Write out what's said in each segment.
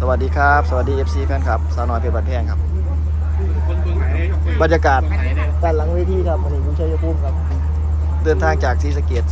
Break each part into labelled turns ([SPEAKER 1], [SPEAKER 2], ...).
[SPEAKER 1] วัสดีครับสวัสดี FC แฟนคลับสาวน้อยเพชรบ้านแพงครับบรรยากาศด้านหลังเวทีครับวันนี้คุณชัยภูมิครับเดินทางจากศรีสะเกษ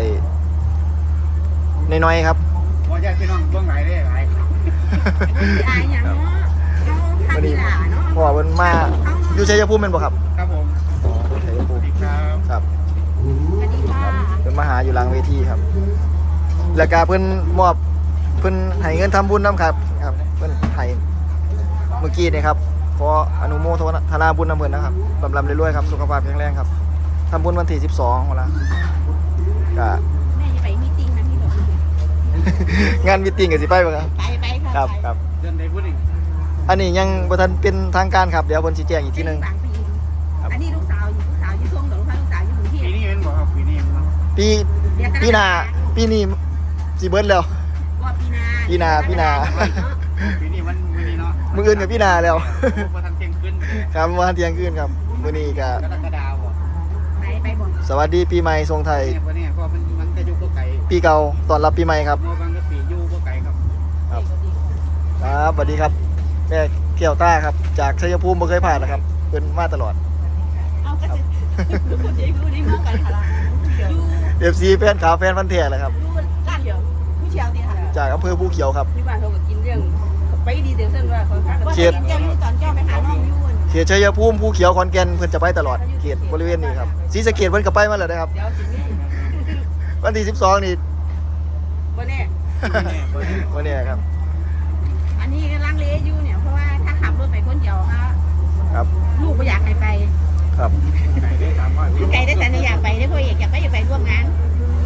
[SPEAKER 1] 300น้อยๆครับ
[SPEAKER 2] ว่าญาติพี่น้องเบื้องไหนได้หลาย
[SPEAKER 3] อย่างเนาะเอาทำดีล่ะเนาะ
[SPEAKER 1] พ่อเพิ่นมาอยู่ชัยภูมิเป็นบ่ครับ
[SPEAKER 2] ครับผม
[SPEAKER 1] อ๋อชัยภูมิครับ
[SPEAKER 3] สวัสดีค่ะ
[SPEAKER 1] เพิ่นมาหาอยู่หลังเวทีครับแล้วก็เพิ่นมอบเพิ่นให้เงินทำบุญนำครับเพิ่นให้เมื่อกี้นี่ครับขออนุโมทนาบุญนำเพิ่นนะครับลำรวยๆครับสุขภาพแข็งแรงครับทำบุญวันที่12วันละก็
[SPEAKER 3] แม่จะไปมีติ้งนะพี่หลง
[SPEAKER 1] งานมีตติ้งก็สิไปบ่ครับ
[SPEAKER 3] ไป
[SPEAKER 1] ครับครับ
[SPEAKER 2] เดินได้พูดอีก
[SPEAKER 1] อันนี้ยังบ่ทันเป็นทางการครับเดี๋ยวเพิ่นสิแจ้งอีกทีนึง
[SPEAKER 3] อันนี้ลูกสาวอยู่ช่วงหลงลูกสาวอยู่กรุงเทพ
[SPEAKER 2] ปีนี้เป็นบ่ครับปีนี้เนาะ
[SPEAKER 1] ปีหน้าปีนี้สิเบิดแล้ว
[SPEAKER 3] ว่า
[SPEAKER 1] ปีหน้า
[SPEAKER 2] ปีนี้มันมื้อนี้เนาะ
[SPEAKER 1] มื้ออื่นก็ปีหน้าแล้ว
[SPEAKER 2] บ่ทันเที่ยงคืน
[SPEAKER 1] ครับบ่ทันเที่ยงคืนครับมื้อนี้ก็
[SPEAKER 2] กรกฎาคม
[SPEAKER 3] ไปบ่
[SPEAKER 1] สวัสดีปีใหม่ทรงไทย
[SPEAKER 2] เนี่ยเพราะมันจะอยู่บ่ไกล
[SPEAKER 1] ปีเก่าต้อนรับปีใหม่ครับ
[SPEAKER 2] โมบังก็ปีอยู่บ่ไกลครับ
[SPEAKER 1] ครับสวัสดีครับแม่เกี่ยวต้าครับจากชัยภูมิบ่เคยผ่านนะครับเพิ่นมาตลอด
[SPEAKER 3] เอาก็จะพูดดีมากกันค่ะ
[SPEAKER 1] FC แฟนขาวแฟนพันธุ์แท้แหละครับ
[SPEAKER 3] ร้านเดียวผู้เชี่ยวดีค่ะ
[SPEAKER 1] จากอำเภอภูเขียวครับ
[SPEAKER 3] ที่บ้านเขาก็กินเรื่องไปดีเดี๋ยวเส้นว่าเขาเขตเจ้าอยู่ตอนเจ้าไปหาน้องอยู่
[SPEAKER 1] เขตชัยภูมิภูเขียวขอนแก่นเพิ่นจะไปตลอดเขตบริเวณนี้ครับศรีสะเกษเพิ่นก็ไปมาแล้วนะครับ
[SPEAKER 3] เดี๋ยวสิ
[SPEAKER 1] วันที่12นี่
[SPEAKER 3] บ่แน่
[SPEAKER 1] วันนี้ครับ
[SPEAKER 3] อันนี้ลังเลอยู่เนี่ยเพราะว่าถ้าขับรถไปคนเดียว
[SPEAKER 1] ครับ
[SPEAKER 3] ลูกก็อยากให้ไป
[SPEAKER 1] ครับ
[SPEAKER 3] ไกลได้แต่อยากไปได้พ่อเอกอยากไปร่วมงาน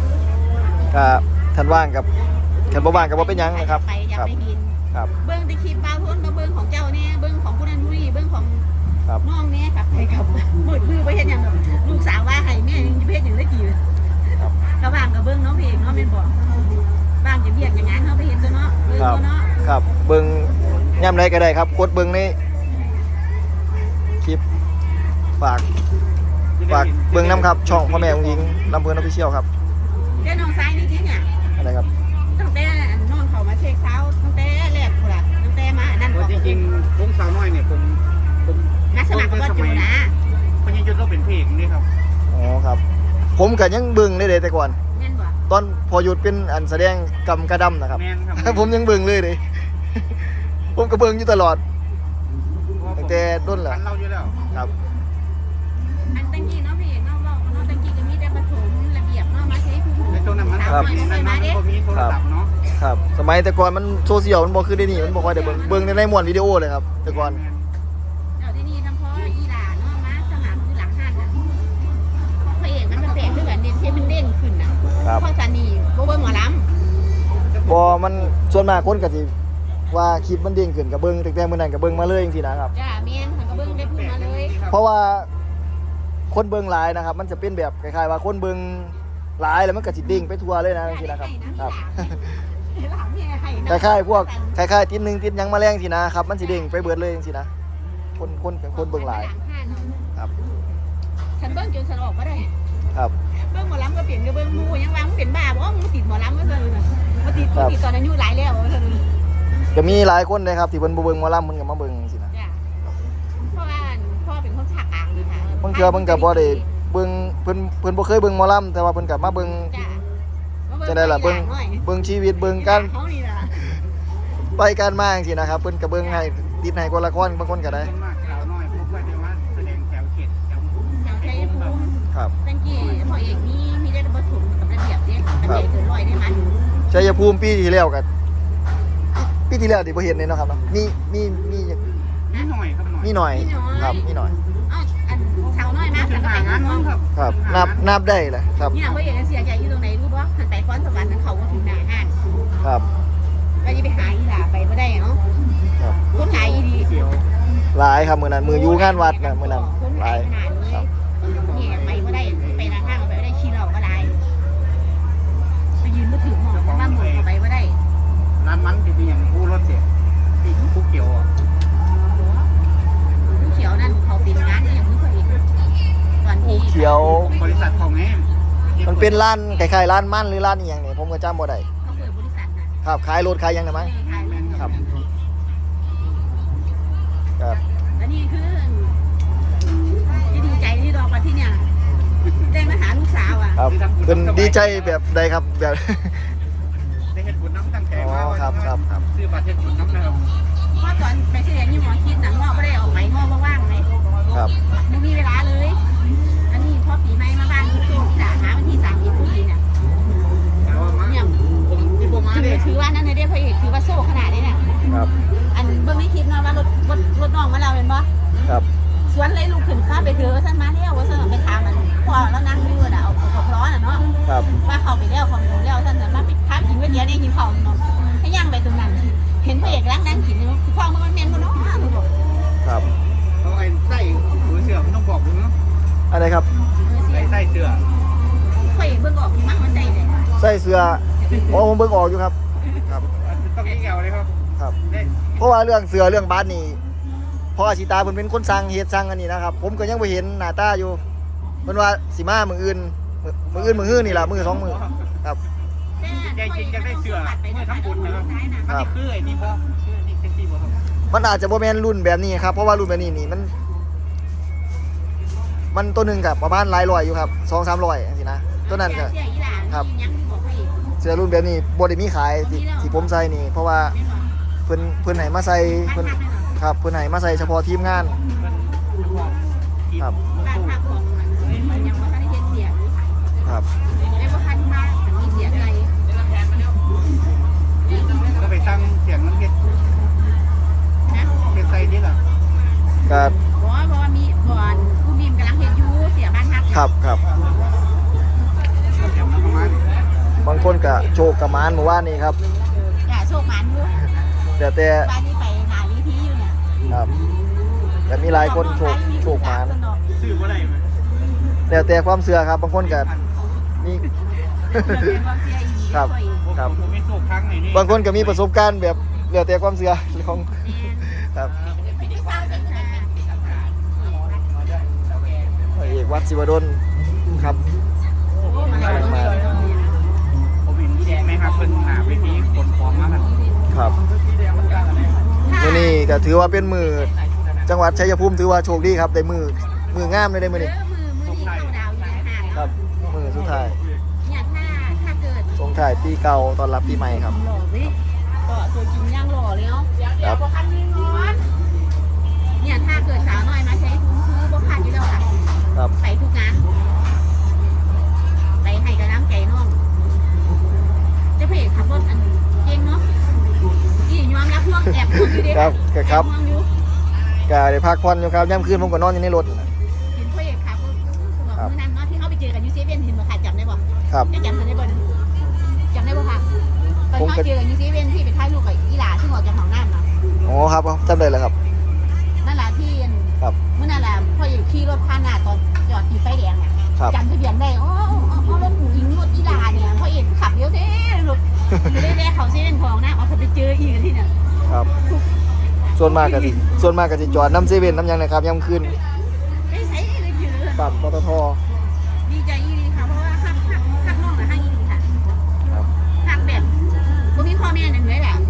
[SPEAKER 1] ท่านว่างกับท่านบ่ว่างกับว่าเป็นยังนะครับ
[SPEAKER 3] อยากไปบิน
[SPEAKER 1] ครับ
[SPEAKER 3] เบิ้งตะคีบาพ้นมาเบิ้งของเจ้าเนี่ยเบิ้งของผู้นั้นผู้นี้เบิ้งของน้องเนี่ยครับไปกับมือไปเห็นอย่างแบบลูกสาวว่าให้แม่ยังจะเพศอย่างได้กี่ระหว่างกับเบิ้งน้องเพลงน้องเป็นบอกบ้างจะเบียดอย่างนั้นเขาไปเห็นตัวเนาะเบิ้งตัวเนาะ
[SPEAKER 1] ครับเบิ้งย่ำไรก็ได้ครับกดเบิ้งในคลิปฝากเบิ้งน้ำครับช่องพ่อแม่องค์หญิงลำเพลินออฟฟิเชียลครับ
[SPEAKER 3] เจ้าน้องซ้ายนี่ที่เนี่ย
[SPEAKER 1] อะไรครับ
[SPEAKER 3] ตั้งแต่นอนเขามาเช็คเช้าตั้งแต่แรกคนละตั้งแต่มานั่น
[SPEAKER 2] จริงๆวงสาวน้อยเนี่ยผม
[SPEAKER 3] นักสมัครก็จูนะ
[SPEAKER 2] คนยังยุดเราเป็นเพลงนี่ครับ
[SPEAKER 1] อ๋อครับผมกับยังเบิ้งได้เลยแต่ก่อนตอนพอหยุดเป็นอันแสดงกำกระดำนะครับผมยังเบิ้งเลยผมก็เบิ้งอยู่ตลอดตั้งแต่ต้นแหละครับ
[SPEAKER 3] อันตั้งกี้น้องเพลงน้องบอกน้องตั้งกี้ก็มีแต่ประถมระเบียบน้องมาใช้ผู้ใน
[SPEAKER 2] ช่วงนั้นมันมีโทรศัพท์เนาะ
[SPEAKER 1] ครับสมัยแต่ก่อนมันโซเชียลมันบอกคือได้นี่มันบอกว่าเดี๋ยวเบิ้งในม้วนวิดีโอเลยครับแต่ก่อน
[SPEAKER 3] เดี๋ยวที่นี่ทั้งพ่ออีหลาน้องมาสนามคือหลังห้างนะพระเอกมันแปลกด้วยกันเด่นเท่มันเด่นขึ้นนะพ่อสานีโบเบิ้งหมอลำ
[SPEAKER 1] บอมันส่วนมากคนก็สิว่าคลิปมันเด้งขึ้นกับเบิ้งแต่เมื่อนั้นกับเบิ้งมาเลยจริงๆนะครับ
[SPEAKER 3] จ้าเมียนกับเบิ้งได้พูดมาเลย
[SPEAKER 1] เพราะว่าคนเบิ้งหลายนะครับมันจะเป็นแบบคล้ายๆว่าคนเบิ้งหลายแล้วมันก็สิเด้งไปทั่วเลยนะจริงๆนะครับครับคล้ายๆพวกคล้ายๆติดนึงติดยังมาแรงสินะครับมันสิเด้งไปเบิดเลยจริงๆนะคนเบิ้งหลายครับ
[SPEAKER 3] ฉันเบิ้งจนฉันออกมาได้
[SPEAKER 1] ครับ
[SPEAKER 3] เบิ้งหมอลำก็เปลี่ยนก็เบิ้งมูยังวางเปลี่ยนบ้าบอกว่ามึงติดหมอลำก็เลยมาติดตอนอายุหลายแล้ว
[SPEAKER 1] ก็มีหลายคนเลยครับที่เพิ่นบ่เบิ่งหมอลำมันก็มาเบิ่งสินะ
[SPEAKER 3] เพราะว่าพ่อเป็นคนภาคกลางนี่ค่ะ
[SPEAKER 1] บางเทื่อเพิ่นก็บ่ได้เบิ่งเพิ่นบ่เคยเบิ่งหมอลำแต่ว่าเพิ่นก็มาเบิ่งจังได๋ล่ะเบิ่งชีวิตเบิ่งการไปการมาจังซี่นะครับเพิ่นก็เบิ่งให้ติดให้คนละคนบางคนก็ได้ครับ
[SPEAKER 3] ตั้งกี่พ่อเอกมีได้บ่ถูกกับระเบียบเด้ระเบียบเกิน100ได้มั้ย
[SPEAKER 1] ชัยภูมิปีที่แล้วก็ปีที่แล้วที่บ่เห็นเลยเนาะครับเนาะมี
[SPEAKER 2] หน่อยครับ
[SPEAKER 1] มีหน่อยครับมีหน่อย
[SPEAKER 3] อันชาวน้อยมากแล้วก็แต่งงานน้อง
[SPEAKER 1] ครับนับได้แหละครับ
[SPEAKER 3] นี่พ่อเอกเสียใจอยู่ตรงไหนรู้บ่หันไปฟ้อนสวรรค์เขาก็ถึงหน้าห้าง
[SPEAKER 1] ครับ
[SPEAKER 3] ก็จะไปหาอีหล่าไปบ่ได้เนาะ
[SPEAKER 1] ครับ
[SPEAKER 3] คนหลายอีดี
[SPEAKER 1] หลายครับมื้อนั้นมื้ออยู่งานวัดน่ะมื้อนั้นหลาย
[SPEAKER 3] ครับนี่ไปบ่ได้ไปหน้าห้างไปบ่ได้ขี้เหล้าก็ได้ไปยืนบ่ถึงหม้อบ้านหมู่เข้าไปบ่ได้
[SPEAKER 2] ร้านมันที่มีอย่างผู้รถเด็กที่ผู้เกี่ยวอ่ะ
[SPEAKER 3] ผู้เขียวนั่นเขาเป็นงานอย่างนี้เขาเองตอนที่
[SPEAKER 1] ผู้เขียว
[SPEAKER 2] บริษัทของแง่
[SPEAKER 1] มันเป็นร้านคล้ายๆร้านมั่นหรือร้านอีหยังนี่ผมก็จำบ่ได้
[SPEAKER 3] เขาเปิดบริษัทนะครับ
[SPEAKER 1] ขายรถขายยังได้มั้ยครับครับ
[SPEAKER 3] และนี่คือที่ดีใจที่รอมาที่เนี่ยได้มาหาลูกสาวอ่ะ
[SPEAKER 1] ครับเป็นดีใจแบบใดครับแบบ
[SPEAKER 2] ได้เห็นบุญน้ำตั้งแต่มา
[SPEAKER 1] อ๋อครับครับครับ
[SPEAKER 2] ซื้อบัตรเห็นบุญน้ำนะครับ
[SPEAKER 3] เพราะตอนไปเสียยี่หมอคิดหนังงอกไม่ได้ออกไปงอกว่างไหม
[SPEAKER 1] ครับ
[SPEAKER 3] ไม่มีเวลาเลย อันนี้พอปีใหม่มาบ้านทุกคนด่าหาวันที่30พฤศจิกายน
[SPEAKER 2] แต่ว่ามา
[SPEAKER 3] เนี่ย
[SPEAKER 2] ผมที่ผมมาเนี่ย
[SPEAKER 3] ถือว่านั่นเลยได้พระเอกถือว่าโซ่ขนาดนี้เนี่ย
[SPEAKER 1] ครับ
[SPEAKER 3] อันเบื้องในคลิปเนาะว่ารถน้องมาเราเป็นบ่
[SPEAKER 1] ครับ
[SPEAKER 3] สวนเลยลูกขึ้นพาไปเถอะว่าซั่นมาแล้วว่าซั่นไปถามมันพ่อแล้วนั่งอยู่น่ะเอากระเพาะน่ะเนาะ
[SPEAKER 1] ครับ
[SPEAKER 3] ว่าเข้าไปแล้วเขาไปดูแล้วซั่นน่ะมาไปพากินก๋วยเตี๋ยวได้กินข้าวเนาะให้ย่างไปตรงนั้น เห็นพระเอกนั่งกินอยู่คือพ่อมันแม่นบ่เนาะหนูบอก
[SPEAKER 1] ครับ
[SPEAKER 2] เอาไอ้ไส้หัวเสือมันต้องบอกดูเนาะ
[SPEAKER 1] อะไรครับ
[SPEAKER 2] ไส้เสือ
[SPEAKER 3] พระเอกเบิ่งออกที่มันมันใส่เลย
[SPEAKER 1] ใส่เสื้ออ๋อผมเบิ่งออกอยู่ครับครับ
[SPEAKER 2] ต้องยิ่งเอาเลยครับ
[SPEAKER 1] ครับ
[SPEAKER 2] ได้
[SPEAKER 1] เพราะว่าเรื่องเสื้อเรื่องบาสนี่เพราะอาชิตาเพิ่นเป็นคนสั่งเฮ็ดสั่งอันนี้นะครับ ผมก็ยังบ่เห็นหน้าตาอยู่เพิ่นว่าสิมามื้ออื่นมื้อฮื้อนี่ล่ะมื้อ2มื้อครับ
[SPEAKER 2] ใจจริงจะได้เสือเมื่อทำบุญนะครับอันนี้คือไอ้นี่บ่คือนี่แท็กซี่บ่ครับ
[SPEAKER 1] มันอาจจะบ่แม่นรุ่นแบบนี้ครับเพราะว่ารุ่นแบบนี้นี่มันตัวหนึงกับประมาณหลายร้อยอยู่ครับ2-300จังซี่นะตัวนั้นก็
[SPEAKER 3] เสียอีหลานครับยังบอกพระเอก
[SPEAKER 1] เสื้อรุ่นแบบนี้บ่ได้มีขายที่ผมใส่นี่ เพราะว่าเพิ่นให้มาใส่เพิ่นครับเพิ่นให้มาใส่เฉพาะทีมงาน ครับ
[SPEAKER 3] บ้านพักของมันยังว่าทันได้เฮ็ดเสีย
[SPEAKER 1] ครับ
[SPEAKER 3] ไม่ว่าทันมาแต่มีเสียอะไร
[SPEAKER 2] ก็ไปตั้งเสียงมันเฮ็ด
[SPEAKER 3] นะ
[SPEAKER 2] เป็นไส้นี่ล่ะ
[SPEAKER 1] ก็
[SPEAKER 3] บอกว่ามีบ่อนผู้มีมกำลังเฮ็ดอยู่เสียบ้านพัก
[SPEAKER 1] ครับครับ
[SPEAKER 2] เสียงมันประมาณ
[SPEAKER 1] บางคนก็โชคกับหมานเมื่อวานนี้ครับ
[SPEAKER 3] อย่าโชคหมันอยู่
[SPEAKER 1] แต่
[SPEAKER 3] บ้านนี้ไปหาวิธีอยู่เนี่ย
[SPEAKER 1] ครับแต่มีหลายคนโชคหมาน
[SPEAKER 2] ซื้อบ่ได้ไหม
[SPEAKER 1] แต่ความเชื่อครับ บางคนก็มี ครับ ครับ
[SPEAKER 2] ผมมีโชคครั้งไหนนี่
[SPEAKER 1] บางคนก็มีประสบการณ์แบบแล้วแต่ความเชื่อของครับพระเอกวัดศิวดลครับ
[SPEAKER 2] ผมเห็นแดงไหมครับเพิ่นหาเวทีขนของมาครับ
[SPEAKER 1] ครับมื้อนี้ก็ถือว่าเป็นมือจังหวัดชัยภูมิถือว่าโชคดีครับได้มืองามเลยได้มื้อนี้
[SPEAKER 3] มือนี่เข้าดาวอยู่ในห่าง
[SPEAKER 1] ครับมือสุดท้าย
[SPEAKER 3] เนี่ยถ้าเกิด
[SPEAKER 1] ส่งท้ายปีเก่าต้อนรับปีใหม่ครับ
[SPEAKER 3] หล่อสิก็ตัวจริงย่างหล่อเลยเนาะ
[SPEAKER 1] ครับ
[SPEAKER 3] บ่คันมีงอนเนี่ยถ้าเกิดสาวน้อยมาใช้ทุนคือบ่คันอยู่แล้วค่ะ
[SPEAKER 1] ครับ
[SPEAKER 3] ไปทุกงานไปให้กำลังใจน้องเจ้าพระเอกขับรถอันเก่งเนาะนี่ยอมรับพวกแอบพวกอยู่ดิ
[SPEAKER 1] ครับครับ
[SPEAKER 3] แอบพวกอยู่
[SPEAKER 1] ก็ได้พักผ่อนอยู่ครับย่ำคืนผมก็นอนอยู่ในรถ
[SPEAKER 3] เห็นพระเอกขับรถบอกมื้อนั้นเนาะที่เขาไปเจอกันยูเซเว่นเห็นบ่ค่ะจำได้บ่
[SPEAKER 1] ครับ
[SPEAKER 3] ได้จำได้บ่นะจำได้บ่ค่ะตอนเขาเจอกันยูเซเว่นที่ไปถ่ายรูปกับอีหลาซึ่งออกจากห้องน้ำเนาะ
[SPEAKER 1] อ๋อครับจำได้แล้วครับ
[SPEAKER 3] นั่นแหละที่
[SPEAKER 1] ครับ
[SPEAKER 3] เมื่อนั่นแหละพ่ออยู่ขี่รถผ่านหน้าตอนจอดอยู่ไฟแดงน่ะ
[SPEAKER 1] ครับ
[SPEAKER 3] จำทะเบียนได้อ๋อรถหมูอิงรถอีหลาเนี่ยพ่อเอกขับเยอะเท่รถอยู่ได้เขาเซเว่นทองนะเอาไปเจออีกที่เนี่ย
[SPEAKER 1] ครับ ส่วนมากก็สิจอดน้ำเซเว่นน้ำหยังนะครับย่ำคืน
[SPEAKER 3] ไม่ใช่เลยเจอ
[SPEAKER 1] ปั๊มปตท
[SPEAKER 3] ดีใจอีดีค่ะเพราะว่าขับน้องนะห้างอีดีค่ะ
[SPEAKER 1] ครับ
[SPEAKER 3] ขับแบบบ่มีพ่อแม่นั่นเลยแหละ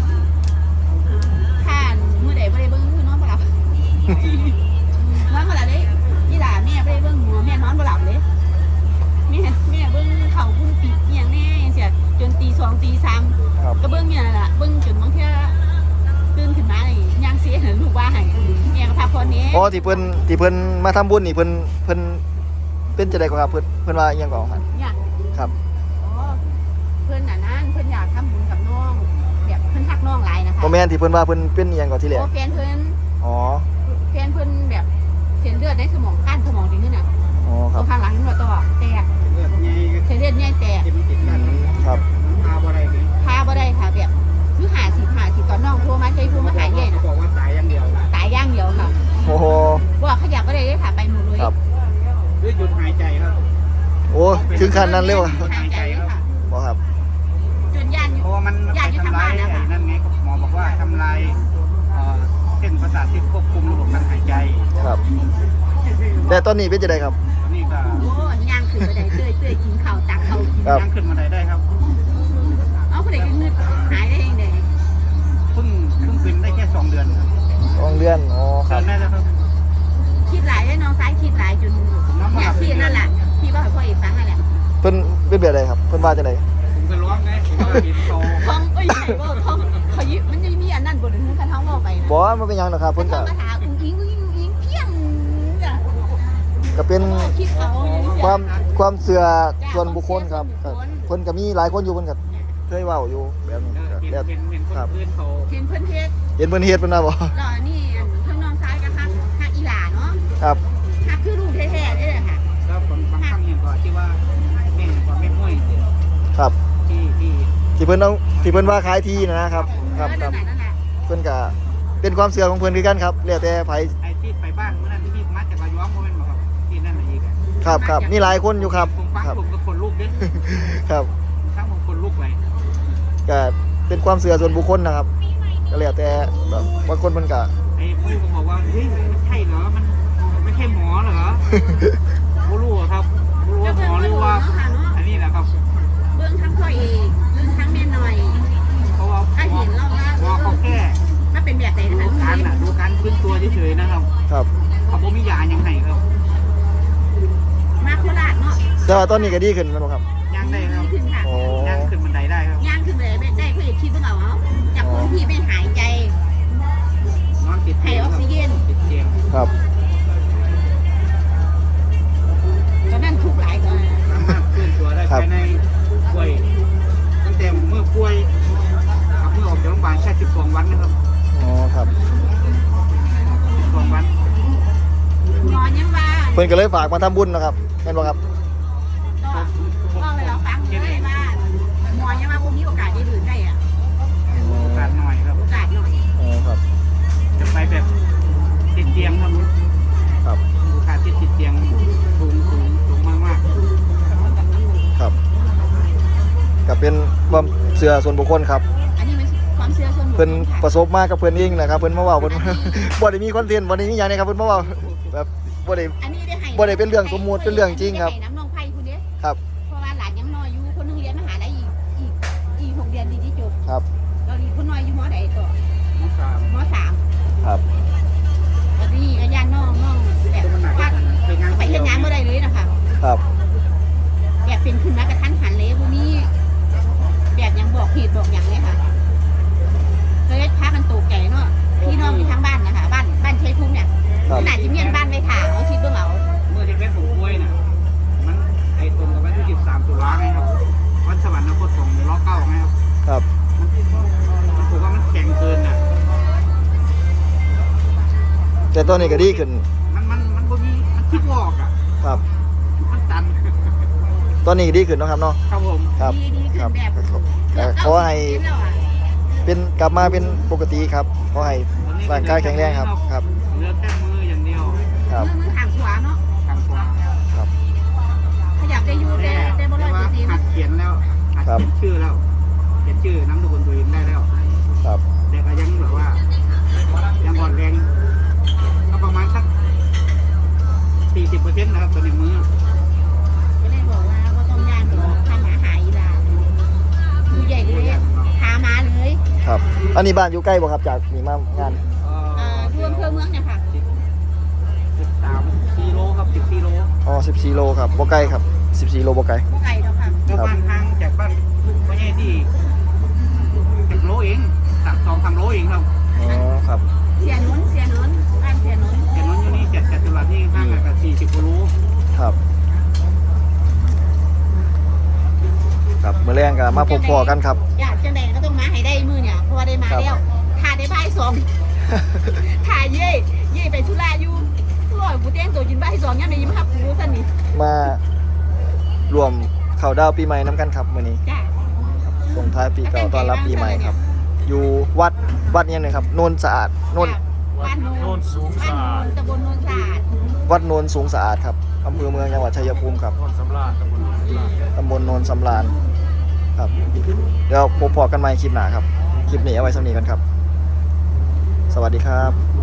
[SPEAKER 3] ผ่านมือใดบ่ได้เบิ่งมือนอนบ่หลับนอนบ่หลับเลยอีหลาแม่บ่ได้เบิ่งหัวแม่นอนบ่หลับเลยแม่เบิ่งเขาพุ่งปีกอหย่างแน่เสียจนตี2ตี3
[SPEAKER 1] ครับ
[SPEAKER 3] ก็เบิ่งอย่างนั้นล่ะเบิ่งจนบางเทื่อตื่นขึ้นมานี่ย่างเสียเห็นลูกว่าให้แม่ก็พักผ่อนแหน่
[SPEAKER 1] อ๋อที่เพิ่นมาทำบุญนี่เพิ่นเป็นจะได้ก็ครับเพิ่นว่าอิหยังก่อนครับ
[SPEAKER 3] เนี่ย
[SPEAKER 1] ครับ
[SPEAKER 3] อ๋อเพิ่นน่ะนั่นเพิ่นอยากทำบุญกับน้องแบบเพิ่นฮักน้องหลายนะคะ
[SPEAKER 1] บ่แม่นที่เพิ่นว่าเพิ่นเป็นอิหยังก่อนที่แรก
[SPEAKER 3] โอ้แฟนเพิ่น
[SPEAKER 1] อ๋อ
[SPEAKER 3] แบบเส้นเลือดในสมองข้างสมองดีขึ้นน่ะ
[SPEAKER 1] อ๋อค
[SPEAKER 3] ตั
[SPEAKER 1] รับ
[SPEAKER 3] วข้างหลังนี่ว่าตัวแตก
[SPEAKER 2] เลือดใหญ่
[SPEAKER 3] เส้นเลือดใหญ่แตก
[SPEAKER 2] เจ็บติดกัน
[SPEAKER 1] ครับ
[SPEAKER 2] พาบ่ได้เลย
[SPEAKER 3] พาบ่ได้ค่ะแบบคือ50ตอนน้องโทรมาใช้โทรมาหาใหญ่น่ะ
[SPEAKER 2] บอกว่าตายอย่างเดียว
[SPEAKER 3] ตายอย่างเดียวค่ะ
[SPEAKER 1] โอ้โห
[SPEAKER 3] บ่ขยับบ่ได้เลยค่ะไปหมดเลย
[SPEAKER 1] ครับ
[SPEAKER 2] คือหยุดหายใจครับ
[SPEAKER 1] โอ้ถึงขั้นนั้นเลยวะ
[SPEAKER 3] หายใจเลยค่ะ
[SPEAKER 1] บ่ครับ
[SPEAKER 3] จนย่าน
[SPEAKER 2] เพราะว่ามันไปทำลายไอ้นั่นไงหมอบอกว่าทำลายเส้นประสาทที่ควบคุมระบบการหายใจ
[SPEAKER 1] ครับ แต่ตอนนี้เป็นจะได้ครับ
[SPEAKER 2] ตอนนี้ก็
[SPEAKER 3] โอ้ย่างขึ้นบ่ได้เต้ยกินข้าวตักข้าวกิน
[SPEAKER 1] ครับ
[SPEAKER 2] ย่างขึ้นมาได้ครับ
[SPEAKER 3] เอาผู้ใดก็งึดหายได้เองเด้
[SPEAKER 2] เพิ่งเป็นได้แค่2 เดือนครับ
[SPEAKER 1] 2 เดือน อ๋อ
[SPEAKER 2] ดินได้แล้วครับ
[SPEAKER 3] คิดหลายให้น้องซ้ายคิดหลายจนเนี่ยพี่นั่นแหละพี่ว่าพ่อเอกฟังนั่นแหละ
[SPEAKER 1] เพิ่นเป็นแบบใดครับเพิ่นว่าจังได๋
[SPEAKER 2] ผมก็ร้องไงผมก็เห็นโต
[SPEAKER 3] ท้องเอ้ยไหนว่าท้องเขายิมันจะมีอันนั้นบ่ถึงคันท้องบอกไปนะ
[SPEAKER 1] บ่ว่ามันเป็นหยังดอกครับ
[SPEAKER 3] เพิ่
[SPEAKER 1] เพิ่
[SPEAKER 3] น
[SPEAKER 1] น
[SPEAKER 3] ก็
[SPEAKER 1] ก็
[SPEAKER 3] มาถามอุ้งอิงเพียงจ้ะ
[SPEAKER 1] ก็เป็น
[SPEAKER 3] คิดเอา
[SPEAKER 1] ความเชื่อส่วนบุคคลครับก็เพิ่นก็มีหลายคนอยู่เพิ่นก็เคยเว้าอยู่แบบนี้ก็
[SPEAKER 2] เห็น
[SPEAKER 1] แล้ว
[SPEAKER 2] คนอื่นเขา
[SPEAKER 3] เห็นเพิ่นเฮ็ด
[SPEAKER 1] เห็นเพิ่นเฮ็ดเพิ่นว่าบ่
[SPEAKER 3] แล้วนี่ทั้งน้องซ้ายกับฮักอีหลาเนาะ
[SPEAKER 1] ครับ
[SPEAKER 3] ฮักคือลูกแท้ๆนี่แหละค่ะ
[SPEAKER 2] แล้วบางครั้งเนี่ยก็ที่ว่าแม่ก็ไม่ห้วย
[SPEAKER 1] ครับ
[SPEAKER 2] ที่
[SPEAKER 1] เพิ่นเอาที่เพิ่นว่าขายที่นะครับครับ
[SPEAKER 3] นั่นแหละ
[SPEAKER 1] เพิ่นก็เป็นความเชื่อของเพิ่นคือกันครับแล้วแต่ไผ
[SPEAKER 2] ไอ้ที่ไปบ้านเมื่อนั้นที่มาจากระยองโมเมนต์บอกครับที่นั่นอะไรอีก
[SPEAKER 1] ครับมีหลายคนอยู่ครับ
[SPEAKER 2] ผมฟัง
[SPEAKER 1] ครับ
[SPEAKER 2] ผมก็คนลูกเด้
[SPEAKER 1] ครับ
[SPEAKER 2] ฟังผมคนลูกไป
[SPEAKER 1] ก็เป็นความเชื่อส่วนบุคคลนะครับก็แล้วแต่บางคนเพิ่นก็
[SPEAKER 2] ไอ้ผู้ก็บอกว่าเฮ้ยมันใช่เหรอมันไม่ใช่หมอเหรอไม่รู้ครับไม่รู้ว่าหมอหรือว่าอันนี้แหละครับ
[SPEAKER 3] เบื้องทั้งพ่อเอกเบื้องทั้งแม่หน่อย
[SPEAKER 2] เพราะว่า
[SPEAKER 3] ถ้าเห็นเราว่า
[SPEAKER 2] หมอเขาแค่
[SPEAKER 3] ถ้าเป็นแบบไหนนะคะ
[SPEAKER 2] ดูการฟื้นตัวเฉยๆนะครับ
[SPEAKER 1] ครับ
[SPEAKER 2] เขาบอกมียาอย่างไงครับ
[SPEAKER 3] มาโคราชเนาะ
[SPEAKER 1] แต่ว่าตอนนี้ก็ดีขึ้นแม่นบ่ครับ
[SPEAKER 2] ย่างได้ครับ
[SPEAKER 3] ขึ้นค่ะ
[SPEAKER 1] โอ้
[SPEAKER 2] ย่างขึ้นบันไดได้ครับ
[SPEAKER 3] ย่างขึ้นไปได้พ่อเอกคิดว่าเอาจากพื้นที่ไปหายใจ
[SPEAKER 2] นอนติด
[SPEAKER 3] ให้
[SPEAKER 2] เตียง
[SPEAKER 3] ออกซิเจน
[SPEAKER 2] ติดเตียง
[SPEAKER 1] ครับ
[SPEAKER 3] ตอนนั้นทุกหลายตอน
[SPEAKER 2] สามารถเคลื่อนตัวได้ภายในป่วยตั้งแต่เมื่อป่วยกับเมื่อออกจากโรงพยาบาลแค่12 วันนะครับ
[SPEAKER 1] อ๋อครับ
[SPEAKER 2] 12 วัน
[SPEAKER 3] หมอยังว่า
[SPEAKER 1] เพิ่นก็เลยฝากมาทำบุญนะครับแม่นบ่ครับ
[SPEAKER 3] ก็เลยเราฟังเลยว่าหมอยังว่าพวกนี้โอกาสได้ดื่มได้อะ
[SPEAKER 2] โอกาสหน่อยครับ
[SPEAKER 3] โอกาสหน่อย
[SPEAKER 1] อ๋อครับ
[SPEAKER 2] จะไปแบบติดเตียงครับ
[SPEAKER 1] ครับ
[SPEAKER 2] โอกาสที่ติดเตียงสูงมาก
[SPEAKER 1] ครับก็เป็นความเชื่อส่วนบุคคลครับ
[SPEAKER 3] อันนี้มันความเชื่อส่วนบุคค
[SPEAKER 1] เพิ่น
[SPEAKER 3] ลค่ะ
[SPEAKER 1] ประสบมากับเพิ่นเองนะครับเพิ่นมาเว้าเพิ่น บ่ได้มีคอนเทนต์บ่ได้มีหยังนะครับเพิ่นมาเว้าแบบบ่ได้
[SPEAKER 3] อันนี้ได้ให้
[SPEAKER 1] บ่ได้เป็นเรื่องสมมุติเป็นเรื่องจริงครับ
[SPEAKER 3] ได้ให้น้ำนองไผ่คุณเด้
[SPEAKER 1] ครับ
[SPEAKER 3] เพราะว่าหลานยังน้อยอยู่คนนึงเรียนมหาลัยอีก6 เดือนดีที่จบ
[SPEAKER 1] ครับ
[SPEAKER 3] เราดีคนน้อยอยู่ม.ใดต่อ
[SPEAKER 2] ๆน้องสาว
[SPEAKER 3] ม.3
[SPEAKER 1] ครับ
[SPEAKER 3] ตอนนี้ก็ย่านน้องแบบว่าไปเฮ็ดงานบ่ได้เลยนะคะ
[SPEAKER 1] ครับ
[SPEAKER 3] แบบเป็นขึ้นมากระทันหันเลยพวกนี้แบบยังบอกเหตุบอกอย่างเลยค่ะเลยพากันตกใจเนาะพี่น้องอยู่ทางบ้านนะคะบ้านชัยภูมิเนี่ย
[SPEAKER 1] ครับ
[SPEAKER 3] ขนาดจิเมียนบ้านไปถามเอาคิดเบิ่งเอา
[SPEAKER 2] เมื่อที่เป็นผมป่วยน่ะมันไอ้ตรงกับวันที่13 ตุลาไงครับวันสวรรคตของล้อเก้าไงครับ
[SPEAKER 1] ครับ
[SPEAKER 2] มันผมว่ามันแข็งเกินน่ะ
[SPEAKER 1] แต่ตอนนี้ก็ดีขึ้น
[SPEAKER 2] มันบ่มีมันคิดวอกอ่ะ
[SPEAKER 1] ครับ
[SPEAKER 2] มันตัน
[SPEAKER 1] ตอนนี้ดีขึ้นเนาะครับเนาะ
[SPEAKER 2] ครับผม
[SPEAKER 1] ครับ
[SPEAKER 3] ดีขึ้
[SPEAKER 1] ครั
[SPEAKER 3] น
[SPEAKER 1] บ
[SPEAKER 3] แบบ
[SPEAKER 1] ก็ขอให้เป็นกลับมาเป็นปกติครับขอให้ร่างกายแข็งแรงครับครับ
[SPEAKER 2] เหลือแค่มืออย่างเดียว
[SPEAKER 1] ครับ
[SPEAKER 3] มือขางขวาเนาะ
[SPEAKER 2] ทางขวา
[SPEAKER 1] ครับ
[SPEAKER 3] ขยับได้อยู่ได้บ่ร้อย
[SPEAKER 2] ว่า
[SPEAKER 3] เปอร์เซ็นต์
[SPEAKER 2] หัดเขียนแล้วหัดเขียนชื่อแล้วเขียนชื่อน้ำสกุลตัวเองได้แล้ว
[SPEAKER 1] ครับ
[SPEAKER 2] แต่ก็ยังแบบว่ายังอ่อนแรงก็ประมาณสัก 40%นะครับตัวในมือ
[SPEAKER 3] ก็เลยบอกว่าบ่ต้องย่านดอกพาหมาหายอีหลาดูใหญ่เลยพามาเลย
[SPEAKER 1] ครับ อันนี้บ้านอยู่ใกล้บ่ครับจากนี่มางาน
[SPEAKER 3] รวมเพื่อเมืองเนี่ยค่ะ
[SPEAKER 2] 13 กิโลครับ10 กิโล
[SPEAKER 1] อ๋อ14โลครับบ่ไกลครับ14โลบ่ไกล
[SPEAKER 3] บ่ไกลดอกค่ะ
[SPEAKER 2] ก็บ้านทางจากบ้านพ่อใหญ่ที่10 โลเอง2-3 โลเองครับ
[SPEAKER 1] อ๋อครับ
[SPEAKER 3] เสียนนบ้านเสียนน
[SPEAKER 2] แต่นั้นอยู่นี่จัตุรัสนี่ข้างกับ40 กิโล
[SPEAKER 1] ครับครับมื้อแรงก็มาพบพ่อกันครับ
[SPEAKER 3] อยากจังใดก็ต้องมาให้ได้มื้อเนี่ยเพราะว่าได้มาแล้วถ้าได้บ่าย2ถ้าเย่ไปธุระอยู่ร้อยกูแต่งตัวกินบ่าย2ยามได้ยิ้มรับกูซั่นนี่
[SPEAKER 1] มารวมเข้าดาวปีใหม่น้ำกันครับมื้อนี้
[SPEAKER 3] จ้า
[SPEAKER 1] ส่งท้ายปีเก่าต้อนรับปีใหม่ครับ อยู่วัดเนี่ยหนึงครับโนนสะอาดโนน
[SPEAKER 3] บ้านโนนสูงสะอาดตำบลโนนสะอาด
[SPEAKER 1] วัดโนนสูงสะอาดครับอำเภอเมืองจังหวัดชัยภูมิครับตำบลโนนสำราญครับเดี๋ยวพบกันใหม่คลิปหน้าครับคลิปนี้เอาไว้สำนีกันครับ สวัสดีครับ